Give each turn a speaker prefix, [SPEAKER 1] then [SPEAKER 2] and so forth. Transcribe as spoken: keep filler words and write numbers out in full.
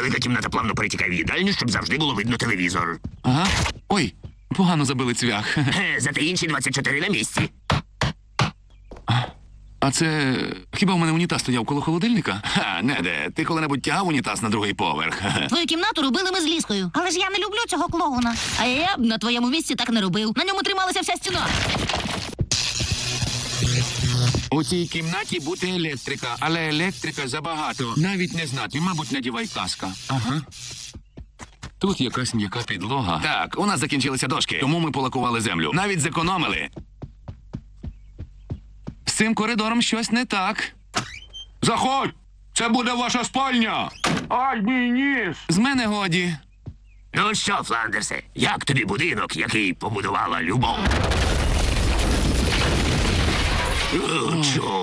[SPEAKER 1] велика кімната плавно перетікає в їдальню, щоб завжди було видно телевізор.
[SPEAKER 2] Ага. Ой, погано забили цвях.
[SPEAKER 1] Е, Зате інші двадцять чотири на місці.
[SPEAKER 2] А це... Хіба в мене унітаз стояв коло холодильника? Ха, Неде, ти коли-небудь тягав унітаз на другий поверх?
[SPEAKER 3] Твою кімнату робили ми з Ліскою. Але ж я не люблю цього клоуна. А я б на твоєму місці так не робив. На ньому трималася вся стіна.
[SPEAKER 2] У цій кімнаті буде електрика, але електрика забагато. Навіть не знати, мабуть, надівай каска. Ага. Тут якась м'яка підлога. Так, у нас закінчилися дошки, тому ми полакували землю. Навіть зекономили. З цим коридором щось не так. Заходь! Це буде ваша спальня!
[SPEAKER 4] Ай, мій ніс!
[SPEAKER 2] З мене годі.
[SPEAKER 1] Ну що, Фландерсе, як тобі будинок, який побудувала любов? О, чорт.